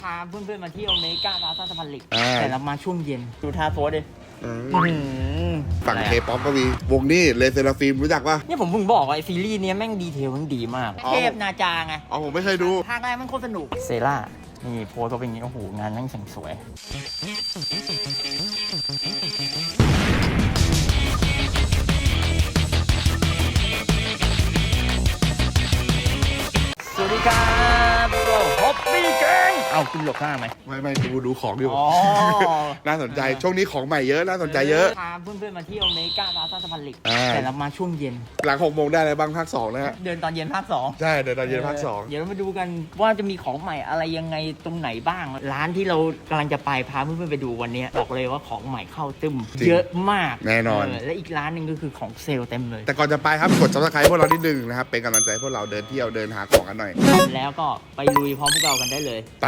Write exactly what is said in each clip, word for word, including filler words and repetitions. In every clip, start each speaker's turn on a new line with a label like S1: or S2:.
S1: พาเพื่อนๆมาเที่ยวเมกาพลาซ่าสะพานเหล็กแต่เรามาช่วงเย็นดูท่าโพสดิ
S2: ฝั่งเคป๊อปก็มีวงนี้เลเซราฟิล์มรู้จักปะ
S1: เนี่ยผมเพิ่งบอกว่าไอซีรีส์เนี้ยแม่งดีเทลมันดีมากเทพนาจาไง
S2: อ๋อผมไม่เคยดู
S1: ภาคแรกมันโคตรสนุกเซร่านี่โพสก็เป็นอย่างนี้โอ้โหงานนั่งแสงสวยสวัสดีครับฮอปปี้แกงเอาคุณหลบข้างไหม
S2: ไม่ไม่ดูดูของอยู่
S1: อ๋อ
S2: น่าสนใจช่วงนี้ของใหม่เยอะน่าสนใจเยอะ
S1: พาเพื่อนๆมาเที่ยวเมกาพลาซ่าสะพานเหล็กแต่เรามาช่วงเย็น
S2: หลังหกโมงได้อะไรบ้างภาคสองนะฮะ
S1: เดินตอนเย็นภาคสอง
S2: ใช่เดินตอนเย็นภาคสอง
S1: เดี๋ยวเรามาดูกันว่าจะมีของใหม่อะไรยังไงตรงไหนบ้างร้านที่เรากำลังจะไปพาเพื่อนๆไปดูวันนี้บอกเลยว่าของใหม่เข้าตึมเยอะมาก
S2: แน่นอน
S1: และอีกร้านหนึ่งก็คือของเซลล์เต็มเลย
S2: แต่ก่อนจะไปครับกด ซับสไครบ์ พวกเรานิดนึงนะครับเป็นกำลังใจพวกเราเดินเที่ยวเดินหาของกันหน่อย
S1: แล้วก็ไปลุยพร้อมพวกเรากันได้เลย
S2: ไป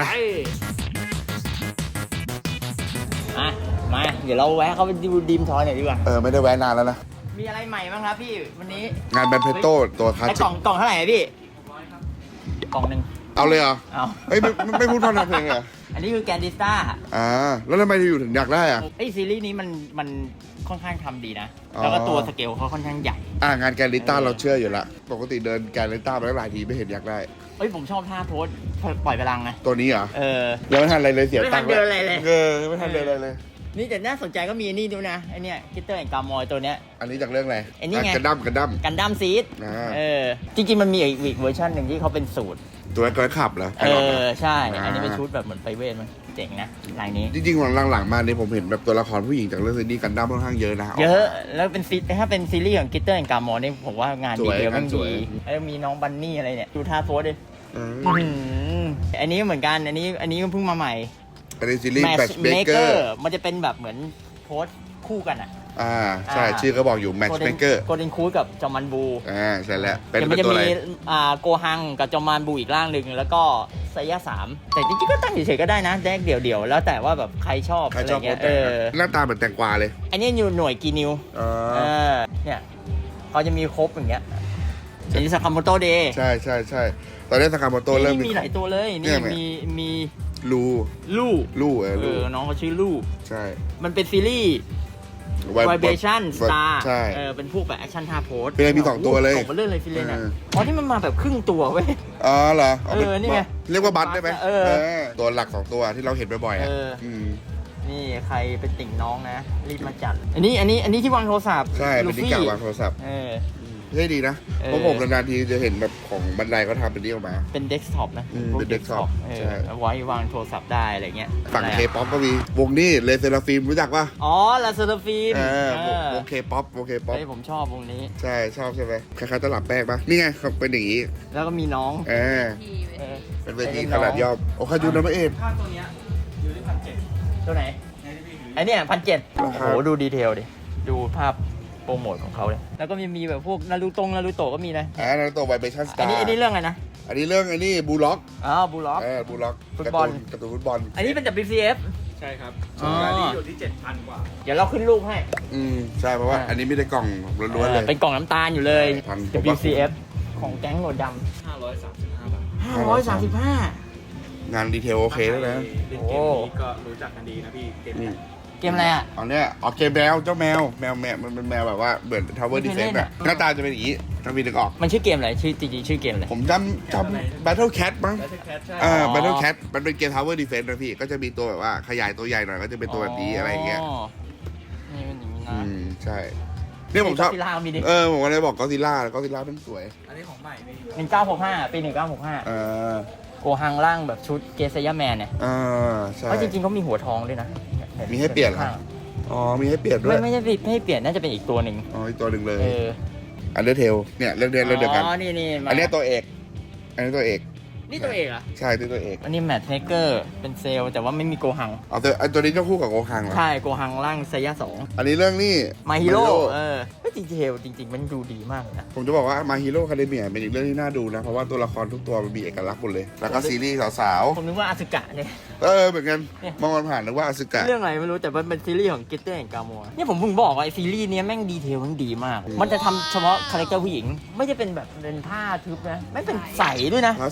S1: มามาเดี๋ยวเราแวะเข้าไปดูดีมทอยหน่อยดีกว่า
S2: เออไม่ได้แวะนานแล้วนะ
S1: มีอะไรใหม่บ้างครับพี่วันนี้
S2: งานแบนเพโต้ตัวคลาสสิก
S1: กล่องกล่องเท่าไหร่พี่กล่องหนึ่ง
S2: เอาเลยเหรอ
S1: เอา
S2: เฮ้ยไม่ไม่พูดพอเพลงเหรอ
S1: อันนี้คือแกนดิสต้า
S2: อ่าแล้วทำไมถึงอยู่ถึงอยากได้อ่ะ
S1: ไอซีรีส์นี้มันมันค่อนข้างทำดีนะแล้วก็ตัวสเกลเขาค่อนข้างใหญ่
S2: อ่างานแกนดิสต้าเราเชื่ออยู่ละปกติเดินแกนดิสต้ามาหลายทีไม่เห็นอยากได้
S1: เอ้ยผมชอบท่าโพสปล่อยพลังไง
S2: ตัวนี้เหรอ
S1: เออ
S2: ยังไม่ทันอะไรเลยเสียตังค์
S1: ไม่ทันเดินอะไรเลย
S2: เออไม่ทันเดินอะไรเลย
S1: นี่แต่น่าสนใจก็มีนี่ด้วยนะไอเนี้ยคิตเตอร์แอนกามอยตัวเนี้ย
S2: อันนี้จากเรื่องอะไร
S1: ไอ้นี่ไง
S2: กันดั้มกันดั้ม
S1: กันดั้มซีดเออจริงๆมันมีอีกเวอร์ชันหนึ่งที่เขาเป็นสูตร
S2: ตัวกระขับเหรอ
S1: เออใช่อันนี้เป็นชุดแบบเหมือนไพรเวทมันเจ๋งนะลายนี้
S2: จริงๆหลังๆมาเนี่ยผมเห็นแบบตัวละครผู้หญิงจากเรื่องซีรีส์กันดั้มค่อนข้างเยอะนะ
S1: เยอะแล้วเป็นซีถ้าเป็นซีรีส์ของคิตเตอร์แอนกามอยนี่ผมว่างานดีเทลมันดีแล้วมีน้องบันนี่อะไรเนี่ยดูท่าโพสดิอันนี้เหมือนกันอันนี้อันนี้เพิ่งมาใหม่
S2: อันนี้ซีรีส์แมทช์เมเกอร์
S1: มันจะเป็นแบบเหมือนโพสคู่กันอ่ะ
S2: อ่าใช่ชื่อก็บอกอยู่แมทช์เมเกอร์
S1: โกลเด้นคูดกับจอมันบู
S2: อ่าใช่แล้ว
S1: เป็นมันจะมีอ่าโกฮังกับจอมันบูอีกร่างหนึ่งแล้วก็ไซยะสามแต่จริงๆก็ตั้งเฉยๆก็ได้นะแดกเดี่ยวๆแล้วแต่ว่าแบบใครชอบอะไรเงี้ยเออ
S2: หน้าตาเหมือนแตงกวาเลย
S1: อันนี้อยู่หน่วยกีนิวเออเนี่ยเขาจะมีครบอย่างเงี้ยอันนี้สากาโมโตเดย์
S2: ใช่ใช่ใช่ตอนนี้สากาโมโตเริ่ม
S1: มีหลายตัวเลยนี่มีมี
S2: ลู
S1: ลู
S2: ลูเออ
S1: น้องเขาชื่อลู
S2: ใช่
S1: มันเป็นซีรีส์Vibration Star
S2: ใช่
S1: เออเป็นพวกแบบแอคชั่นท่าโพส
S2: ฟิเลนมีสองตัวเลย
S1: สองเรื่องเลยฟิเลนอ่ะอ๋อที่มันมาแบบครึ่งตัวเว้ย
S2: อ๋อเหรอ
S1: เออนี่ไง
S2: เรียกว่าบัตได้ไหม
S1: เออ
S2: ตัวหลักสองตัวที่เราเห็นบ่อยๆอ่ะ
S1: นี่ใครเป็นติ่งน้องนะรีบมาจัดอันนี้อันนี้อันนี้ที่วางโทรศัพท์
S2: ใช่เป็นที่กาวางโทรศัพท์
S1: เออ
S2: เท่ดีนะเพราะผมนานๆทีจะเห็นแบบของบันไดเขาทำเป็นนี้ออกมา
S1: เป็นเดสก์ท็อปนะ
S2: เป็นเดสก์ท็อป
S1: ใช่ไว้วางโทรศัพท์ได้อะไรเงี้ย
S2: ฝั่งเคป๊อปก็มีวงนี้เลเซราฟิล์มรู้จักปะ
S1: อ๋อเลเซราฟิล์ม
S2: วงเคป๊อปวงเคป๊อป
S1: ผมชอบวงนี้
S2: ใช่ชอบใช่ไหมคล้ายๆตลับแป้งปะนี่ไงเขาเป็นอย่างนี้
S1: แล้วก็มีน้อง
S2: เออเป็นเวทีขนาดย่อมโอ้คายูนะพระเอก
S1: ภาพตัวเนี้ยอยู่ที่พันเจ็ดตัวไหนไอเนี้ยพันเจ็ดโอ้โหดูดีเทลดิดูภาพโปรโมทของเขาเลยแล้วก็มีมีแบบพวกนารูตงนารูโตะก็มีนะ
S2: อ่านารูโตะไวเบชั่นสตาร์
S1: อันนี้อันนี้เรื่องอะไรนะ
S2: อันนี้เรื่องอันนี้บูล็อก
S1: อ๋อบูล็อก
S2: เออบูล็อก
S1: ฟุตบอล
S2: การ์ตูนฟุตบอล
S1: อันนี้เป็น ดับเบิลยู ซี เอฟ
S3: ใช่ครับอันนี้อยู่ที่ เจ็ดพัน กว่า
S1: เดี๋ยวเราขึ้นรูปให้
S2: อืมใช่เพราะว่าอันนี้ไม่ได้กล่องล้วนๆเลย
S1: เป็นกล่องน้ำตาลอยู่เลย ดับเบิลยู ซี เอฟ ของแก๊งโหนดด
S3: ำห้าร้อยสามสิบห้าบาท
S1: ห้าร้อยสามสิบห้
S2: างานดีเทลโอเคแล้วนะ
S3: เล่นเกมนี้ก็รู้จักกันดีนะพี่เกมนี้
S1: เกมอะไรอ่ะ
S2: อ๋อเนี่ยอ๋อเกมแมวเจ้าแมวแมวแมวมันเป็นแมวแบบว่าเหมือน Tower Defense อะหน้าตาจะเป็นอย่างนี้ถ้ามีนึกออก
S1: มันชื่อเกมอะไรชื่อจริงๆชื่อเกมอะไร
S2: ผมจำจำ Battle Cat มั้ง อ่า Battle Cat มันเป็นเกม Tower Defense นะพี่ก็จะมีตัวแบบว่าขยายตัวใหญ่หน่อยก็จะเป็นตัวแบบนี้อะไรอย่างเงี้ย
S1: นี่เป็นอย่างนี้นะ
S2: อืมใช่เนี่ยผมชอบเออผมก็เลยบอกก็ซิล่าก็ซิล่าเป็นสวย
S3: อันนี้ของใหม่
S1: หนึ่งเก้าหกห้าปีหนึ่งเก้าหกห้า
S2: เออ
S1: โกฮังล่างแบบชุดเกซย่าแมนเนี่ย
S2: อ่าใช่
S1: เพราะจริงๆเขามีหัวทองด้วยนะ
S2: มีให้เปลี่ยนเหรออ๋อมีให้เปลี่ยนด้วย
S1: ไม่ไม่ใช่ไม่ให้เปลี่ยนน่าจะเป็นอีกตัวหนึ่ง
S2: อ๋ออีกตัวหนึ่งเลย
S1: เออ
S2: อันเดอร์เทลเนี่ยเรื่องเดียวเรื่องเดียวกัน
S1: อ๋อนี่นี่
S2: อันนี้ตัวเอกอันนี้ตัวเอก
S1: นี่ตัวเอกอ่ะ
S2: ใช่ตัวเอก
S1: อันนี้แมทเมเกอร์เป็นเซลแต่ว่าไม่มีโกฮัง
S2: อ๋อตัวอันตัวนี้ต้องคู่กับโกฮังเหรอ
S1: ใช่โกฮังร่างไซยะสอง
S2: อันนี้เรื่องนี้
S1: มาฮีโร่เออก็จริงเทลจริงๆมันดูดีมากนะ
S2: ผมจะบอกว่ามาฮีโร่คาเดเมียเป็นอีกเรื่องที่น่าดูนะเพราะว่าตัวละครทุกตัวมันมีเอกลักษณ์หมดเลยแล้วก็ซีรีส์สาว
S1: ๆผมนึกว่าอาซึกะเนี่ย
S2: เออเหมือนกันมองมันผ่านนึกว่าอาซึกะ
S1: เรื่องอะไรไม่รู้แต่มันเป็นซีรีส์ของกิตเตอร์แห่งกาโมะเนี่ยผมเพิ่งบอกว่าไอซีรีส์นี้แม่งดีเทลมันดีมากมันจะทำเฉพาะคาแรคเตอร์ผู้หญิงไม่ได้เป็นแบบเป็นผ้าทึบนะไม่เป็นใสด้วยนะ
S2: ผ้าใสเออ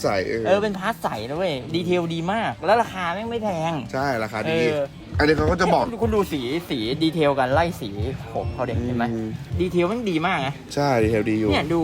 S1: อเป็นพาร์ทใสนะเว้ยดีเทลดีมากแล้วราคาแม่งไม่แพง
S2: ใช่ราคาดี
S1: เออ
S2: อันนี้เขาก็จะบอก
S1: คุณดูสีสีดีเทลกันไล่สีผมเขาเด็กเห็นไหม
S2: อืม
S1: ดีเทลมันดีมากนะ
S2: ใช่ดีเทลดีอยู่
S1: เนี่ยดู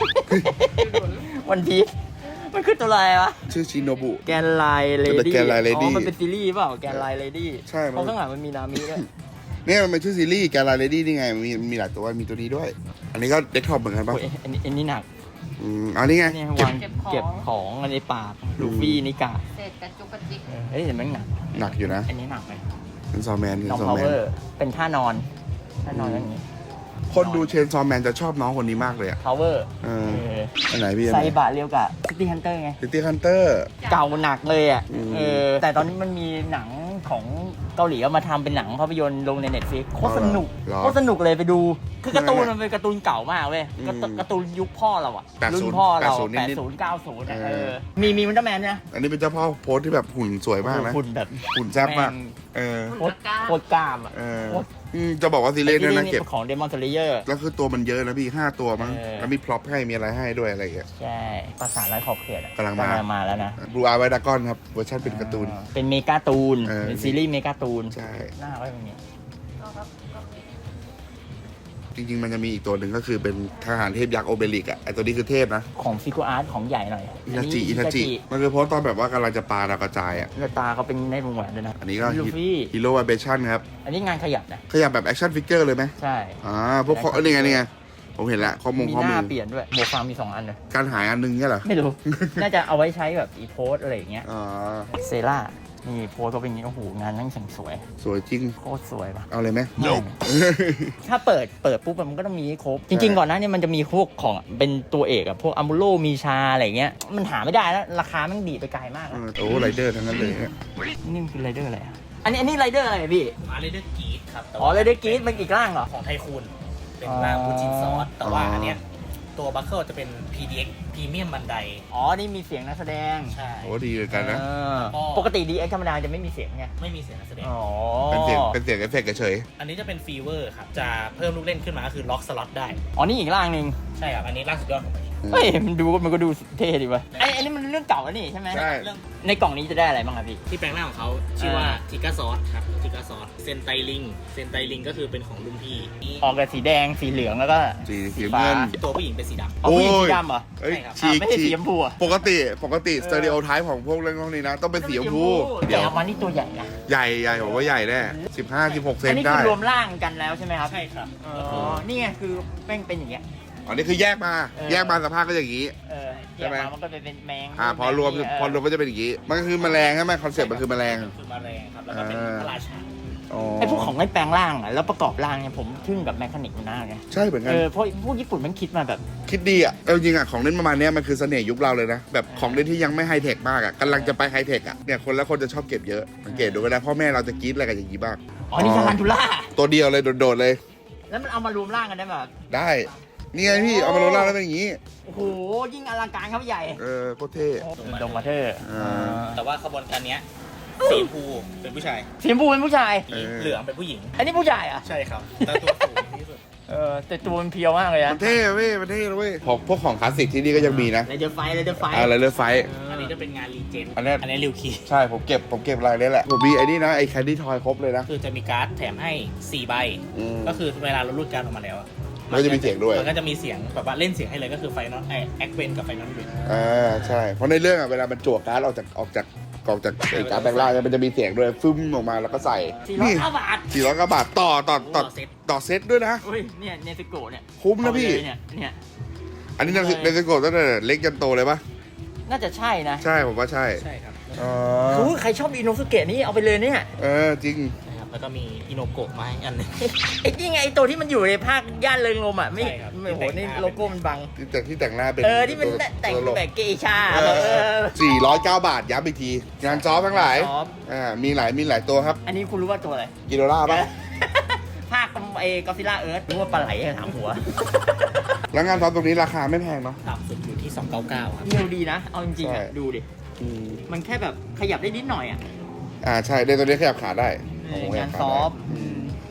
S1: วันพีชมันคือตัวอะไรวะ
S2: ชื่อชิโนบุ
S1: แกนไลเลดี้
S2: แกนไลน์ Lady
S1: อ๋อมันเป็นซีรีส์เปล่าแกนไลเลดี้
S2: ใช่มัน
S1: เพราะข้างหลังมันมีนามิด้วย
S2: เนี่ยมันเป็นชื่อซีรีส์แกลาเรดี้นี่ไงมันมีมีหลายตัวมีตัวนี้ด้วย อันนี้ก็เด็กท็อปเหมือนกันป่ะ
S1: โอ้ยอันนี้อันนี้หนัก
S2: อืมอันนี้ไง
S1: เนี่ย
S2: เก็บ
S1: วางเก็บของอันในปากลูฟี่นิกา
S4: เศษกระจุกกระจิก
S1: เออเฮ้ยเห็นไหมหนัก
S2: หนักอยู่นะ
S1: อันนี้หนักไหม
S2: เชนซอแมนเชน
S1: น้อง
S2: ซอ
S1: พาว
S2: แม
S1: เวน อร์เป็นท่านอนท่านอนอย่างนี้
S2: คนดูเชนซอแมนจะชอบน้องคนนี้มากเลยอ่ะ
S1: พาวเวอร์
S2: เอออันไหนพี่อัน
S1: ไซ
S2: ไหน
S1: บะเรียวกับซิตี้ฮันเตอร์ไง
S2: ซิตี้ฮันเตอร์
S1: เก่าหนักเลยอ่ะ
S2: อืม
S1: เออแต่ตอนนี้มันมีหนังของเกาหลีเอามาทำเป็นหนังภาพยนตร์ลงในเน็ตฟลิกโคตรสนุก
S2: เหรอ
S1: โคตรสนุกเลยไปดู คือการ์ตูน
S2: ใช่ไหม
S1: มันเป็นการ์ตูนเก่ามากเว้ย
S2: อืม
S1: การ์ตูนการ์ตูนยุคพ่อเราอะ
S2: แปดสิบ
S1: รุ่นพ่อเรา
S2: แปดสิบ
S1: แปด
S2: นิด
S1: ศูนย์เก้าศูนย์
S2: เอ
S1: เอ
S2: อ
S1: อมีมีมันเตอร์แมนนะ
S2: อันนี้เป็นเจ้าพ่อโพสที่แบบหุ่นสวยมากนะ
S1: หุ่นแบบ
S2: หุ่นแซ่บมาก
S1: แง
S2: เออ
S1: โคตรโคตรกล้ามอะ
S2: เออ
S1: โคตร
S2: อืมจะบอกว่าซีรีส์เนี่ยนะ
S1: นี่
S2: เก็บ
S1: ของเดมอนสเลเยอร์
S2: แล้วคือตัวมันเยอะนะพี่ห้าตัวมั้ง
S1: เออ
S2: แล้วมีพร็อพให้มีอะไรให้ด้วยอะไรอย่างเงี้ย
S1: ใช่ภาษาไร้ขอบเขตอะ
S2: กำลังมา
S1: มาแล้วนะ
S2: บลูอาร์ไวดากอนครับเวอร์ชันเป็นการ์ตูน
S1: อ่าเป็นเมกาตูน
S2: เออ
S1: เป็นซีรีส์เมกาตูน
S2: ใช่
S1: หน้าไว้แบบนี้
S4: ก็ครับก็มี
S2: จริงๆ มันจะมีอีกตัวหนึ่งก็คือเป็นทหารเทพยักษ์โอเบลิกอ่ะไอตัวนี้คือเทพนะ
S1: ของฟิกูอาร์ตของใหญ่หน่อย
S2: อิทาจิอิทาจิมันคือโพสต์ตอนแบบว่ากำลังจะปาดาวกระจายอ่ะ
S1: แล้วตาเขาเป็นในวงแหวนด้วยนะ
S2: อันนี้ก็
S1: ลูฟี่
S2: ฮีโร่ไวเบชั่นครับ
S1: อันนี้งานขยับนะ
S2: ขยับแบบแอคชั่นฟิกเกอร์เลยไหม
S1: ใช่
S2: อ่าพวกข้อเอ้ยนี่ไงนี่ไงผมเห็นละข้อมง
S1: มี
S2: ข้อ
S1: ห
S2: มื
S1: น้า
S2: อ
S1: เปลี่ยนด้วยโบฟังมีสองอันเลย
S2: การหายอันหนึงเนี่ยเหรอ
S1: ไม่รู้ น่าจะเอาไว้ใช้แบบอีโพสอะไรอย่างเงี้ย
S2: อ่า
S1: เซล่านี่โพสก็เป็นอย่างงี้โอ้โหงานนั่งสวย
S2: สวยจริง
S1: โคตรสวยปะ
S2: เอาเลยไหม
S1: ถ้าเปิดเปิดปุ๊บมันก็ต้องมีให้ครบ จริง ๆ ก่อนหน้านี้มันจะมีพวกของเป็นตัวเอกอะพวกอัมบูโรมีชาอะไรเงี้ยมันหาไม่ได้แล้วราคามันดีดไปไกลมาก
S2: เอ
S1: อะ
S2: อโอ้ไรเดอร์ทั้งนั้นเลยเนี่ย
S1: นี่มันคือไรเดอร์อะไรอะอันนี้อันนี้ไรเดอร์อะไรอะพี่
S5: มาเรเดอร์กีดครับแต่
S1: อ๋อ
S5: ว่า
S1: ไรเดอร์กรีดมันอีกร่างเหรอ
S5: ของไทคูนเป็น
S1: อ๋อ
S5: รางบูจินซอส แต่ว่าอันเนี้ยตัวบัคเคิลจะเป็น พี ดี เอ็กซ์ พรีเมียมบันได
S1: อ๋อนี่มีเสียงนักแสดง
S5: ใช่
S2: โอ้ดีเลยกันนะ
S1: เออ
S5: ก็
S1: ปกติดีเอ็กธรรมดาจะไม่มีเสียงไง
S5: ไม่มีเสียงนักแสดง
S1: อ๋อ
S2: เป็นเสียงเป็นเสียงเอฟเฟกต์เฉย
S5: อันนี้จะเป็นฟีเวอร์ครับ จะเพิ่มลูกเล่นขึ้นมาก็คือล็อกสล็อตได้
S1: อ๋อนี่อีกร่างหนึ่ง
S5: ใช่ครับ อันนี้ล่าสุดยอดของมัน
S1: เฮ้ยมันดูมันก็ดูเท่ดีวะไอ้ไอ้นี่มันเรื่องเก่าแล้วนี่ใช่ไหม
S2: ใช่
S5: เรื่อง
S1: ในกล่องนี้จะได้อะไรบ้างครับพี่
S5: ที่แปลงร่างของเขาชื่อว่า
S1: อ่า
S5: ทิกาซอสครับทิกาซอสเซนไตลิงเซนไตลิงก็คือเป็นของรุ่นพี่นี่
S1: ออกกับสีแดงสีเหลืองแล้วก็
S2: สีสี
S1: ฟ้า
S2: เงิน
S5: ตัวผู้หญิงเป็นสีดำ
S1: อ๋อผู้หญิง
S2: โอ้
S1: สี
S2: ย
S1: ดำเหรอ
S2: เอ้ย
S5: ใช่ครับ
S2: ฉีก
S1: อ่าไม่ใช่
S2: ฉี
S1: สี
S2: ก
S1: ชมพูอะ
S2: ปกติปกติสเตอริโอไทป์ของพวกเรื่องพวกนี้นะ ต้องเป็นสีชมพู
S1: เดี๋ยวออกมานี่ตัวใหญ่นะ
S2: ใหญ่ใหญ่ผมว่าใหญ่แน่สิบห้าสิบหกเซ
S1: อั
S2: น
S1: นนี้
S2: ได้
S1: คือรวมร่างกันแล้วใช่ไหมครับ
S5: ใช่ครับ
S1: อ๋อนี่ไงคือแม่งเป็นอย่างเงี้ย
S2: อันนี้คือแยกมา
S1: เออ
S2: แยกมาสภาพก็อย่างนี้
S1: เออ
S2: ใช่ไหม
S1: แยกมามันก็เป็นเป็นแมง
S2: อ่าพอรวม
S1: เ
S2: พอรวมก็จะเป็นอย่างนี้ มันก็คือแมลงใช่ไหมคอนเซ็ปต์มันคือแมลง
S5: คือมาแรงครับ แล้วก็เป็น
S2: อ่า
S5: พระราชา
S2: อ๋อ
S1: ไอ้พวกของไอ้แปลงร่างอะแล้วประกอบร่างเนี่ยผมทึ่งกับแมคานิกมันน่าไง
S2: ใช่เหมือนกัน
S1: เออเพราะพวกญี่ปุ่นมันคิดมาแบบ
S2: คิดดีอ่ะเอาจริงอ่ะของเล่นประมาณเนี้ยมันคือเสน่ห์ยุคเราเลยนะ แบบของเล่นที่ยังไม่ไฮเทคมากอ่ะกำลังจะไปไฮเทคอ่ะเนี่ยคนละคนจะชอบเก็บเยอะสังเกตดูก็ได้พ่อแม่เราจะกรี๊ดอะไรกันอย่างนี้บ้าง
S1: อ๋อนี่ทารันทูล่า
S2: ตัวเดียวเลยโดดๆเลย
S1: แล้วมันเอามารวมร่างกันได้แบบ
S2: ได้นี่ไงพี่เอามาโรล่าแล้วเป็นอย่างนี้
S1: โอ้โหยิ่งอลังการครับใหญ่
S2: เออโคตรเท่
S1: ดงมาเธอร์
S2: อ่า
S5: แต่ว่าขบวนการเนี้ยสีชมพูเป็นผู้ชาย
S1: สีชมพูเป็นผู้ชาย
S2: เออ
S5: เหลืองเป็นผู้หญิง
S1: อันนี้ผู้ชายอ่ะ
S5: ใช่ครับ แต่ตัวสูงที่สุด
S1: เออแต่ตัวมันเพียวมากเลยนะ
S2: มันเท่เว้ยมันเท่เลยเว้ยของพวกของคลาสสิกที่นี่ก็ยังมีนะ
S1: ไรเดอร์ไฟไรเดอร์ไฟ
S2: อะไรเลือไฟ
S5: อันนี้จะเป็นงานรีเจน
S2: อันเนี้ย
S5: อันนี้ริวคี
S2: ใช่ผมเก็บผมเก็บรายนี้แหละผมมีไอ้นี่นะไอ้แคนดี้ทอยครบเลยนะ
S5: คือจะมีการ์ดแถมให้สี่ใบ
S2: อืม
S5: ก็คือเวลาเรารูดการ์ดออกมาแล้วอะ
S2: มันก็จะมีเสียงด้วย
S5: มันก็จะมีเสียงแบบว่าเล่นเสียงให้เลยก็คือไฟนอลไอแอคเวนกับไฟนอลเวน
S2: อ่าใช่เพราะในเรื่องอ่ะเวลามันจั่วการ์ดออกจากออกจากออกจากไอ้การ์ดแบงค์ล่างเนี่ยมันจะมีเสียงด้วยฟึ้มออกมาแล้วก็ใส่
S1: สี่ร้อยเก้าบาท
S2: สี่ร้อยกว่าบาทต่อต่อต่อต่อเซตด้วยนะ
S1: อุ้ยเนี่ยเนสโกะเนี่ย
S2: คุ้มนะพี่
S1: เอาเลยเนี่ยเนี่ย
S2: อันนี้เนสโกะตั้งแต่เล็กจนโตเลยปะ
S1: น่าจะใช่นะ
S2: ใช่ผมว่าใช่
S5: ใช่ครับ
S2: อ๋อ
S1: โอ้ยใครชอบอินโนสุเกะนี่เอาไปเลยเนี่ย
S2: เออจริง
S5: นะครับแล้วก็มีอิโนโกะมาให้อันหนึง
S1: ไอ้นี่ไงไอ้ตัวที่มันอยู่ในภาคย่านเริงลมอ่ะไม่
S5: ใช่ครับ
S1: ไม่โหนี่
S5: ที่แต่งหน้า
S1: โลโก้มันบัง
S2: ที่แต่งที่แต่งหน้าเป็น
S1: เออที่มันแต่งแบบเกชาแบบเออ
S2: สี่ร้อยเก้าบาทย้ำอีกที งานซอฟทั้งหลาย
S1: ซอฟ
S2: อ่ามีหลายมีหลายตัวครับ
S1: อันนี้คุณรู้ว่าตัวอะไร
S2: กิโลล่าปะ
S1: ภาคไอ้กอซิล่าเอิร์ธรู้ว่าปลาไหลอะถามหัว
S2: แล้วงานซอฟตรงนี้ราคาไม่แพงเนาะ
S5: ต่ำสุดอยู่ที่สองร้อยเก้าสิบเก้าครับ
S1: เร็วดีนะ เอาจริงๆอ่ะ
S2: ใช่
S1: ดูดิ
S2: อืม
S1: มันแค่แบบขยับได้นิดหน่อยอ่ะ
S2: อ่าใช่ในตัวนี้ขยับขาได้
S1: เออ
S2: โโหขยั
S1: งาน
S2: บข
S1: ซอ
S2: ได้
S1: ฟต์
S2: อืม
S1: จ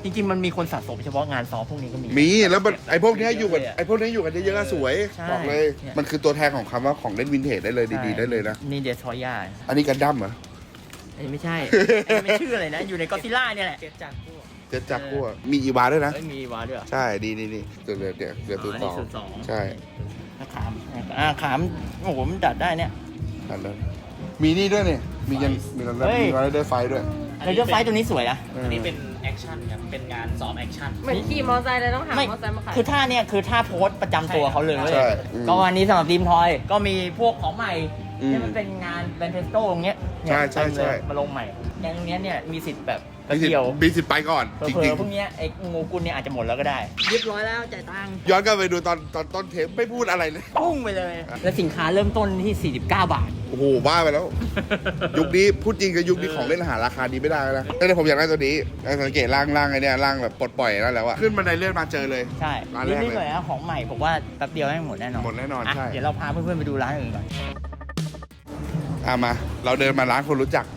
S1: จริงๆมันมีคนสะสมเฉพาะงานซ้อมพวกนี้ก็มี
S2: มีแล้วมันไอ้พวกเนี้ยอยู่กับ
S1: เะ
S2: ไอ้พวกเนี้ยอยู่กันเยอะๆสวย
S1: ใช่
S2: บอกเลย
S1: เนี่ย
S2: มันคือตัวแทนของคำว่าของเล่นวินเทจได้เลยดีๆได้เลยนะ
S1: นี่เดสทอยา
S2: อันนี้กันดั้มเหรอ
S1: อันนี้ไม่ใช่ อันนี้ไม่ชื่ออะไรนะ อยู่ในก็ซิล่าเนี่ยแหละ
S5: เจ็ดจักรพวก
S2: เจ็ดจักรกู้มีอีวาด้วยนะ
S1: เอ้ยมีวาด้วยเหรอ
S2: ใช่ดีนี่นี่ตัวเรือเดี๋ยวเรือตัว
S1: อัน
S2: ส
S1: นี้
S2: อง
S1: ศูนย์สอง
S2: ใช่
S1: อ่ะขามอ่าขามโอ้โหมันดัดได้เนี่ย
S2: อันนั้นมีนี่ด้วยเนี่ยมียันมีอะไร
S1: เฮ้ย
S2: มีอะไรได้ไฟด้วย
S1: เลเยอร์ไฟตัวนี้สวยนะ
S5: อันนี้เป็นแอคชั่นครับ เป็นงานซ้อมแอคชั่น
S4: เหมือนขี่มอเตอร์ไซค์เลยต้องหามอ
S1: ไม่
S4: เตอร์ไซค์มาขาย
S1: คือท่าเนี่ยคือท่าโพสต์ประจำตัวเขาเลยเว้ย
S2: ใช่อืม
S1: ก็วันนี้สำหรับดีมทอยก็มีพวกของใหม่
S2: อืม
S1: ที่มันเป็นงานแบนเทสโต้ตรงเนี้ยเนี่ย
S2: ใช่ใช่
S1: เต็มเลย
S2: ใช่
S1: มาลงใหม่แกงตรงเนี้ยเนี่ยมีสิทธิ์แบบก
S2: มี
S1: ระ
S2: สิท
S1: เดียว
S2: ธิ์มีสิทธิ์ไปก่อน
S1: เผ
S2: จ
S1: ล
S2: ริ
S1: อง ๆพวกเนี้ยไอ้งูกุลเนี่ยอาจจะหมดแล้วก็ได้เรียบร้อยแล้วจ่ายตังค์
S2: ๆย้อนกลับไปดูตอนตอนต้นเทปไม่พูดอะไรเลย
S1: ปุ้งไปเลย แล้วสินค้าเริ่มต้นที่สี่สิบเก้าบาท
S2: โอ้โหบ้าไปแล้ว ยุคนี้พูดจริงกับยุคนี้ของเล่นหาราคาดีไม่ได้แล้วนะแต่ผมอยากได้ตัวนี้สังเกตร่างร่างไอ้เนี่ยร่างแบบปลดปล่อยนั่นแล้วอะขึ้นบันไดเลื่อนมาเจอเลย
S1: ใช่
S2: ร้านแรกเลย
S1: รีบๆเลยนะของใหม่ผมว่าแป๊บเดียวให้หมดแน่นอน
S2: หมดแน่นอนะ ใช่
S1: เดี๋ยวเราพาเพื่อนๆไปดูร้านอื่นก่อน
S2: อ่ะมา เราเดินมาร้านคนรู้จัก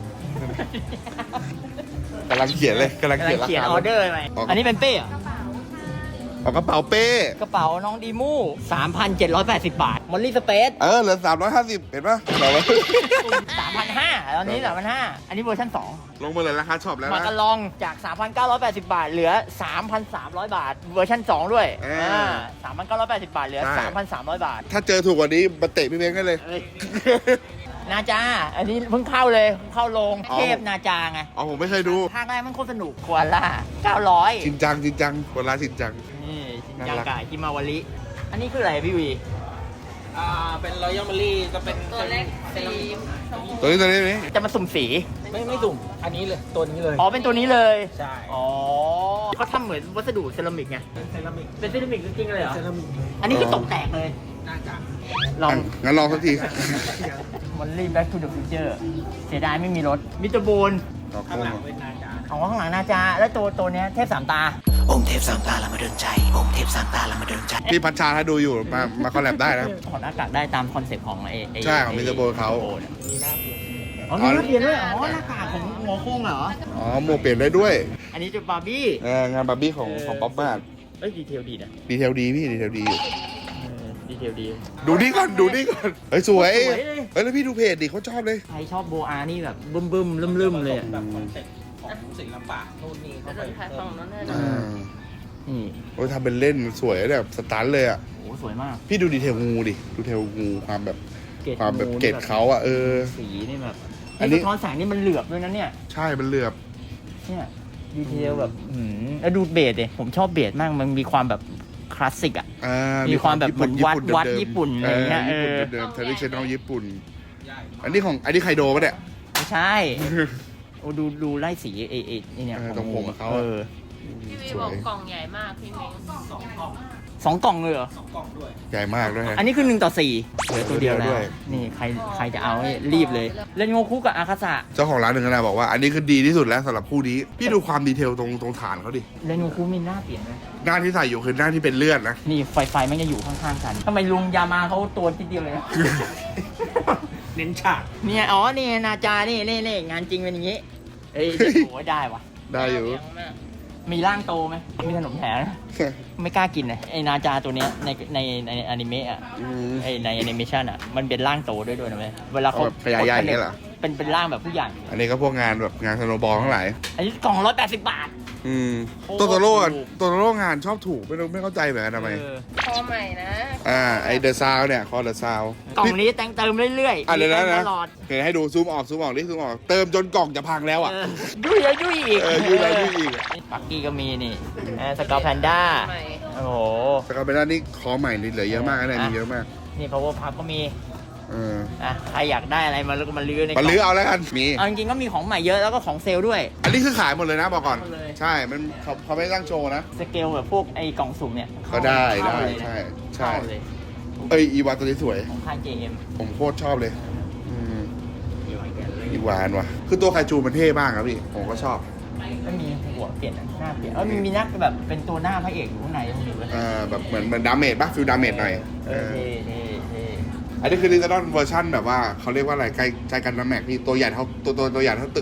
S2: กำลังเขียนเลยกำลัง
S1: กำ
S2: เขี
S1: ลั
S2: ยน
S1: ง
S2: รา
S1: เขียน
S2: คา
S1: ออเดอร์ไป
S2: ออก
S1: อันนี้เป็นเป้เหรอ
S2: เอากระเป๋าเป้
S1: กระเป๋าน้องดีมูสามพันเจ็ดร้อยแปดสิบบาทมอลลี่สเปซ
S2: เออเหลือสามร้อยห้าสิบเห็นปะเรา
S1: สามพันห้าตอนนี้สามพันห้าอันนี้เวอร์ชันสอง
S2: ลงมาเลยราคาช็อปแล้ว
S1: มา
S2: นะ
S1: กันลองจาก สามพันเก้าร้อยแปดสิบบาท เหลือ สามพันสามร้อยบาท เวอร์ชันสองด้วย
S2: เอออ่
S1: าสามพันเก้าร้อยแปดสิบบาท เหลือ
S2: ใช่
S1: สามพันสามร้อยบาท
S2: ถ้าเจอถูกกว่านี้มาเตะพี่เม้งได้เลย
S1: เอ้ย นาจา อันนี้เพิ่งเข้าเลย เข้าโรง
S2: อ๋อ
S1: เทพนาจาไง
S2: อ๋อผมไม่เคยดู
S1: ภาคแรกมันโคตรสนุกควาล่าเก้าร้อย
S2: จริงจังจริงจังคนร้านจริงจัง
S1: นี่ชิน
S2: น่า
S1: จัง
S2: รัก
S1: กายกิมาวาริอันนี้คืออะไรพี่วี
S5: อ่า เป็นรอยัลมารี่ก็เป็น
S4: ตัวเล็ก
S5: เป็น
S4: สีชมพู
S2: ตัวนี้ตัวนี้ตัวนี้
S1: จะมาสุ่มสี
S5: ไม่ไม่สุ่ม อันนี้เลย ตัวนี้เลย
S1: อ๋อ เป็นตัวนี้เลย
S5: ใช่
S1: อ๋อเขาทำเหมือนวัสดุเซรามิกไง
S5: เซรามิก
S1: เป็นเซรามิกจริงๆเลยเหรอ
S5: เซรามิก
S1: อันนี้คือตกแตกเลย
S5: น่าจะ
S1: ลอง
S2: อ่ะงั้นลองสักที
S1: มอลลี่แบ็กทูเดอะฟิวเจอร์เสียดายไม่มีรถ มิสเตอร์บูน
S5: ข้างหลังเป็นนาจา
S1: ของข้างหลังนาจา แล้วตัวตัวเนี้ยเทพสามตา
S6: องค์เทพสามตาละมาเดินใจ องค์เทพสามตาละมาเดินใจ
S2: พี่พัชชาถ้าดูอยู่มามาคอลแลบได้นะ
S1: ถอดหน้ากากได้ตามคอนเซ็ปต์ของไอ้ไ
S2: ใช่ของ Mister Bone เขา
S5: มีหน้าเปลี่ยน
S1: อ๋อมีหน้าเปลี่ยนด้วย อ๋อ หน้ากากของหัวโค้งเหรอ
S2: อ๋อโมเปลี่ยนได้ด้วย
S1: อันนี้จะบาร์บี้
S2: เอองานบาร์บี้ของของป๊อปมาด
S1: เอ้ย ดีเทลดีนะ
S2: ดีเทลดีพี่ดีเทลดีอยู่
S1: เออดีเทลดี
S2: ดูนี่ก่อนดูนี่ก่อนเฮ้ยสวย
S1: สวยเลย
S2: เฮ้ยแล้วพี่ดูเพจดิเขาชอบเลย
S1: ใครชอบโบอานี่แบบบึ้มบึ้มๆลืมๆเลยอะ
S5: แบบคอนเซ็ปต์ของศิลปะนู่นนี่
S4: จะ
S5: เข้า
S4: โด
S5: ไป
S4: นขายฝั่งนั้นเลย
S2: อ่า
S1: นี่
S2: โอ้ยทำเป็นเล่นสวยแบบสตันเลยอ่ะ
S1: โอ้สวยมาก
S2: พี่ดูดีเทลงูดิดูดีเทลงูความแบบ
S1: เกรด
S2: ความแบบ
S1: งูนี่
S2: เกรดเขาอ่ะเออ
S1: สีนี่แบบ
S2: อันนี้
S1: นี่สะท้อนแสงนี่มันเหลือบด้วยนะเนี่ย
S2: ใช่มันเหลือบ
S1: เนี่ยดีเทลแบบอืมแล้วดูเบสดิผมชอบเบสมากมันมีความแบบคลาสสิกอ่ะ
S2: อ่า
S1: มีความแบบเหมือนวัดวัด
S2: เมๆ
S1: ญี่ปุ่นอะไรเงี้ย
S2: ญี่ปุ่น
S1: เออ
S2: เดิมๆ traditional ญี่ปุ่น
S5: ใหญ่
S2: อันนี้ของอันนี้ไคโดปะเนี่ย
S1: ไม่ใช่ โอ้ดูดูไล่สีเอเอไอ้เนี่ย
S2: เออตรงผมเขา
S1: เอ
S2: อะ
S1: อ
S4: พี่วีบอกกล่องใหญ่มากพี่เม้ง
S5: สองกล่อง
S1: สองกล่องเลยเหรอ
S5: สองกล่องด้วย
S2: ใหญ่มากด้วยฮะ
S1: อันนี้คือหนึ่งต่อสี่เหลือตัวเดียวแล้
S2: ด้
S1: ว
S2: วย
S1: นี่ใครใครจะเอานี่รีบเลยเล่นโงคุกับอาคาสะ
S2: เจ้าของร้านหนึ่งนะบอกว่าอันนี้คือดีที่สุดแล้วสำหรับคู่นี้ พี่ดูความดีเทลตรงตรงฐานเขาดิ
S1: เล่นโงคุมีหน้าเปลี่ยนไหม
S2: หน้าที่ใส่อยู่คือหน้าที่เป็นเลือดนะ
S1: นี่ไฟไฟมันจะอยู่ข้างๆกันทำไมลุงยามาเขาตัวทีเดียวเลยนะ
S5: เน้นฉาก
S1: เนี่ยอ๋อนี่นาจานี่นี่นี่งานจริงเป็นอย่างงี้เอ้ยโอ้ยได้วะ
S2: ได้อยู่
S4: เลี้งมาก
S1: มีร่างโตไหมมีขนมแถมนะไม่กล้ากินเลยไอ้นาจาตัวเนี้ยในในในอนิเมะอ่ะ
S2: อืม
S1: ไอ้ในแอนิเมชันอ่ะมันเป็นร่างโตด้วยด้วยนะเว้ยเวลาเขา
S2: เอาแบบขยายใหญ่อย่างเงี้ยเหรอ
S1: เป็นเป็นร่างแบบผู้ใหญ่
S2: อันนี้ก็พวกงานแบบงานสโนว์บอลทั้งหลาย
S1: อันนี้กล่องร้อยแปดสิบบาท
S2: อืม
S1: โอ้
S2: ตัวโตโร่
S1: ถูก
S2: ตัวโตโร่งานชอบถูกไม่รู้ไม่เข้าใจเหมือนกันทำไม
S1: เออ
S4: คอใหม่นะ
S2: อ่าไอเดอะซาวเนี่ยคอเดอะซาว
S1: กล่องนี้แต่งเติมเรื่อยๆ
S2: อ่ะเดี๋ยวนะ
S1: มี
S2: นะ
S1: ตลอด
S2: เห็นให้ดูซูมออกซูมออกนี่ซูมออกเติมจนกล่องจะพังแล้วอ่ะ
S1: เออยุ่ยแล้วยุ่ยอีก
S2: เออยุ่ยแล้วยุ่ยอีก
S1: ปักกี้ก็มีนี่สกอร์แพนด้า
S4: ใหม่
S1: โอ้โห
S2: แต่ก็เป็นด้านนี้คอใหม่นี่เหลือเยอะมากนะเนี่ยมีเยอะมาก
S1: นี่ power pub ก็มี
S2: เออ
S1: อ่ะใครอยากได้อะไรมาแล้วก็มาลื้อในก
S2: มา
S1: ล่อง
S2: ลื้อเอาแล้วกันมี
S1: เอาจริงๆก็มีของใหม่เยอะแล้วก็ของเซลล์ด้วย
S2: อันนี้คือขายหมดเลยนะบอกก่อน
S1: หมดเลย
S2: ใช่ มันเขาเขาไม่ตั้งโชว์นะ
S1: สเกลแบบพวกไอ้กล่องสุ่มเนี่ย
S2: ก็ได้
S1: เข้า
S2: ได้
S1: เลยนะ
S2: ใช่ใช่
S1: เข้าเลย
S2: เอ้ยอีวานตัวนี้สวย
S1: ของค่าย เจ เอ็ม
S2: ผมโคตรชอบเลยอืมอีวานว่ะ คือตัวไคจูมันเท่มากครับพี่ ผมก็ชอบ
S1: ก็มีหัวเปลี่ยนหน้าเปลี่ยนเออมีมีนักแบบเป็นตัวหน้าพระเอกอยู่ข้างในตรงนี้เว้ย
S2: เอ่อแบบเหมือนเหมือนดาเมจป่ะฟิลดาเมจหน่อย
S1: เออเท่เท่เท่
S2: อันนี้คือดิจิตอลเวอร์ชันแบบว่าเขาเรียกว่าอะไรใกล้ใจกันน้ำแม็กนี่ตัวใหญ่เท่าตัวตัวตัวใหญ่เท่าตึกอ่ะ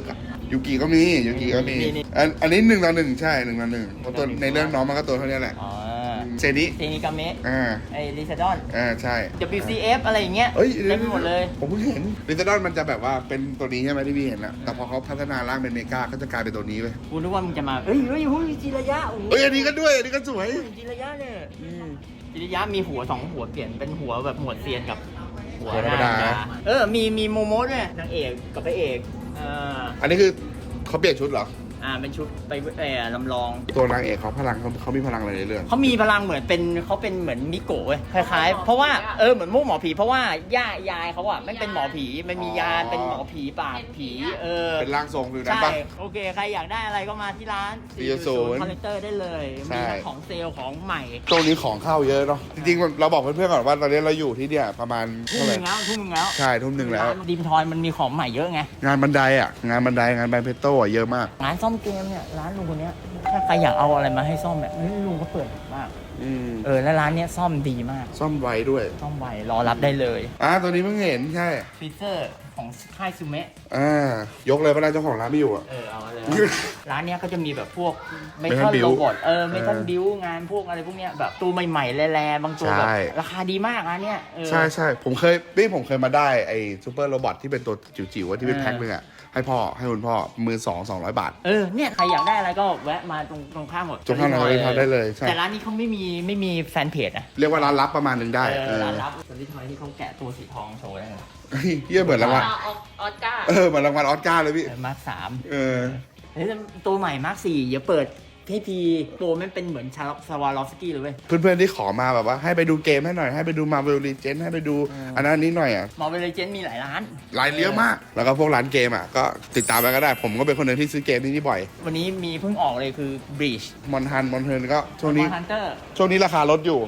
S2: ยูกิก็มียูกิก็มี
S1: นี่นี่
S2: อันอันนี้หนึ่งต่อหนึ่งใช่หนึ่งต่อหนึ่งเพราะตัวในเรื่องน้องมันก็ตัวเท่านี้แหละ
S1: อ๋อ
S2: เซนิ
S1: เซนิกาเมะ
S2: อ่า
S1: ไอริซาดอน
S2: อ่าใช่
S1: ดับเบิลยู ซี เอฟ อะไรอย่างเงี้ย
S2: เอ้ย
S1: เต็มไปหมดเลย
S2: ผมเพิ่งเห็นลิซาดอนมันจะแบบว่าเป็นตัวนี้ใช่ไหมที่พี่เห็นอะแต่พอเขาพัฒนาร่างเป็นเมกาก็จะกลายเป็นตัวนี้เลย
S1: กูนึกว่ามึงจะมาเอ้ยเฮ้ยเฮ้ยจิระยะโอ้โห
S2: เอ้ยอันนี้ก็ด้วยอันนี้ก็สวย
S1: จิระยะเนี่ยจิระยะมีหัวสองหัวเปลี่ยนเป็นหัวแบบหัวเซียนกับหัว
S2: หัวธรรมดา
S1: เออมีมีโมโมะด้วยนางเอกกับพระเอกเออ
S2: อันนี้คือเขาเปลี่ยนชุดเหรอ
S1: อ่าเป็นชุดไปเออลำลอง
S2: ตัวนางเอกเขาพลังเขาเขามีพลังอะไรในเรื่อง
S1: เขามีพลังเหมือนเป็นเขาเป็นเหมือนมิโกะเว้ยคล้ายๆ เพราะว่าเออเหมือนพวกหมอผีเพราะว่าย่ายายเขาอะไม่เป็นหมอผีมันมียานเป็นหมอผีปราบผีเออ
S2: เป็นร่างทรงฟิวนั้น
S1: ใช่
S2: ปะ
S1: โอเคใครอยากได้อะไรก็มาที่ร้าน
S2: สี่ศูนย์
S1: คอลเลกเตอร์ได้เลย
S2: ใช่
S1: มีทั้งของเซลล์ของใหม่
S2: ตรงนี้ของเข้าเยอะเนาะจริงๆเราบอกเพื่อนๆก่อนว่าตอนนี้เราอยู่ที่เนี่ยประมาณ
S1: ทุ่ม
S2: เท่าไห
S1: ห
S2: ร่
S1: นึ่งแล้วทุ่มหนึ่งแล้ว
S2: ใช่ทุ่มหนึ่งแล้ว
S1: ดีมทอยมันมีของใหม่เยอะไง
S2: งานบันไดอ่ะงานบันไดงานแบนเพโต้อะเยอะมาก
S1: ร้านซ่อมเกมเนี่ยร้านลุงคนเนี้ยถ้าใครอยากเอาอะไรมาให้ซ่อมแบบเฮ้ยลุงก็เปิดมาก
S2: อืม
S1: เออแล้วร้านเนี้ยซ่อมดีมาก
S2: ซ่อมไวด้วย
S1: ซ่อมไวรอรับได้เลย
S2: อ่าตัวนี้เพิ่งเห็นใช่
S1: ฟรีเซอร์ของค่ายซูเมะ
S2: อ่ายกเลยก็ได้เจ้าของร้านไม่อยู่อ่ะ
S1: เออเอามาเลย ร้านเนี้ยก็จะมีแบบพวกเม
S2: Metal
S1: ทัล
S2: Build
S1: โรบอทเออเมทัล
S2: เออ
S1: บิวงานพวกอะไรพวกเนี้ยแบบตัวใหม่ๆแร่ๆบางตัวแบบ
S2: ใช่
S1: ราคาดีมากร้านเนี้ยเออ
S2: ใช่ใช่ผมเคยนี่ผมเคยมาได้ไอ้ซูเปอร์โรบอทที่เป็นตัวจิ๋วๆอะที่เป็น
S1: เออ
S2: แพ็คนึงอ่ะให้พ่อให้คุณพ่อมือสองสองร้อยบาท
S1: เออเนี่ยใครอยากได้อะไรก็แวะมาตรงตรงข้ามหมด
S2: ตรงข้ามเราเลยทำได้เลยใช่
S1: แต่ร้านนี้เขาไม่มีไม่มีแฟนเพจอะ
S2: เรียกว่าร้านลับประมาณหนึงได้
S1: เอ
S2: เอ
S1: อ
S2: อ
S1: ร้านรับสลิทอยที่เขาแกะตัวสีทองโชว์ได้เลย
S2: เฮ้ยเยี่ยเหมือนรางวัล
S4: ออออสการ์
S2: เออเหมือนรางวัลออสการ์เลยพี่
S1: เออมาร์คสาม
S2: เออ
S1: เฮ้ยตัวใหม่มาร์คสี่อย่าเปิดให้พีตัวมันเป็นเหมือนชาลสวาลอฟสกี้เลยเว้ย
S2: เพื่อนๆที่ขอมาแบบว่าให้ไปดูเกมให้หน่อยให้ไปดู Marvel Legends ให้ไปดู
S1: อืม
S2: อันนั้นนี้หน่อยอ่ะ
S1: มอลเวลเลเจนมีหลายร้าน
S2: รายเยอะมาก แล้วก็พวกร้านเกมอ่ะก็ติดตามไปก็ได้ ผมก็เป็นคนหนึ่งที่ซื้อเกมที่นี่บ่อย
S1: วันนี้มีเพิ่งออกเลยคือ Breach
S2: มอนทันมอนเทิร์นก็ช่วงนี้
S1: ฮันเตอร์
S2: ช่วงนี้ราคาลดอยู่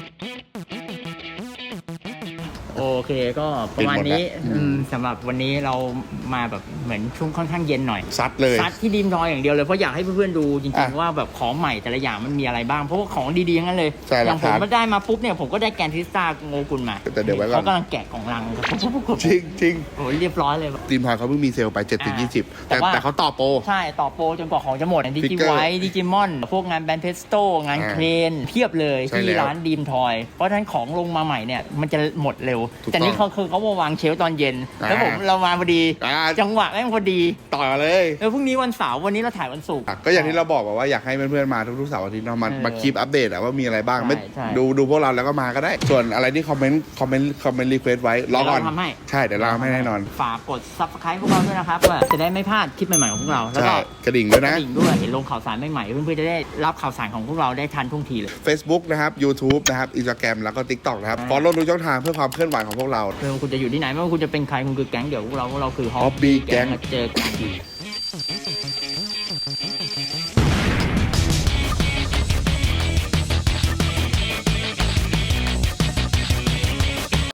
S1: โอเคก็ประมาณนี้
S2: เป็นหมดแล้ว
S1: อืมสำหรับวันนี้เรามาแบบเหมือนช่วงค่อนข้างเย็นหน่อย
S2: ซัดเลย
S1: ซัดที่ดีมทอยอย่างเดียวเลยเพราะอยากให้เพื่อนๆดูจริง
S2: อ่ะ
S1: ๆว่าแบบของใหม่แต่ละอย่างมันมีอะไรบ้างเพราะว่าของดีๆทั้งนั้นเลย
S2: ใช่
S1: อย่างผม
S2: ราคา
S1: มาได้มาปุ๊บเนี่ยผมก็ได้แกนทิสตาโงกุลมา
S2: แต่เดี๋ยวไว้ก่อน
S1: เขากำลังแกะกล่องลังครับ
S2: จริงจริง
S1: โอ้ยเรียบร้อยเลย
S2: ทีมทอยเขาเพิ่งมีเซลล์ไปเจ็ดสิบยี่สิบ
S1: แต่
S2: แต่
S1: ว่า
S2: แต่เขาต่อโปร
S1: ใช่ต่อโปรจนกว่าของจะหมดดิจิ
S2: Figure
S1: ไวดิจิมอนพวกงานแบนเพสโตงาน
S2: อ่า
S1: เครนเพียบเลย
S2: ใช่
S1: ที่
S2: แล้ว
S1: ร้านดีมทอยเพราะฉะนั้นของลงมาใหม่เนี่ยมันจะหมดเร็ว
S2: ถูก
S1: แต่นี่
S2: ต้
S1: เขา
S2: อง
S1: คือเขามาวางเชลฟ์ตอนเย็น
S2: อ่า
S1: แล้วผมเรามาพอดี
S2: อ่า
S1: จังหวะแม่งพอดี
S2: ต่อเลย
S1: เออพรุ่งนี้วันเสาร์วันนี้เราถ่ายวันศุกร์
S2: อ่ะก็อย่างที่เราบอกว่าอยากให้เพื่อนๆมาทุกๆเสาร์อาทิตย์เนาะมา
S1: เออ
S2: มาคีปอัปเดตอะว่ามีอะไรบ้าง
S1: ใช่
S2: ไม่
S1: ใช่
S2: ดูดูพวกเราแล้วก็มาก็ได้ ส่วนอะไรที่คอมเมนต์คอมเมนต์คอมเมนต์รีเควสไว้รอก่อน
S1: เดี๋ยวเราทำให้
S2: ใช่เดี๋ยวเราทำให้แน่นอน
S1: ฝากกด ซับสไครบ์ พวกเราด้วยนะครับว่าจะได้ไม่พลาดคลิปใหม่ๆของพวกเราแล้ว
S2: ใช่
S1: ก็
S2: กระดิ่งด้วย
S1: ก
S2: นะ
S1: ระดิ่งด้วยลงข่าวสารใหม่ๆเพื่อนๆจะได้รับข่าวสารของพวกเราได้ทันท่วงทีเลย
S2: Facebook นะครับ YouTube นะครับ Instagram แล้วก็ TikTok นะครับ
S1: อ่า
S2: follow ทุกช่องทางเพื่อความเคลื่อนไหวของพวกเรา
S1: ไม่ว่าคุณจะอยู่ที่ไหนไม่ว่าคุณจะเป็นใครคุณคือแก๊งเดี๋ยวพวกเราพวกเราคือ
S2: Hobby Gang
S1: เจอกันดี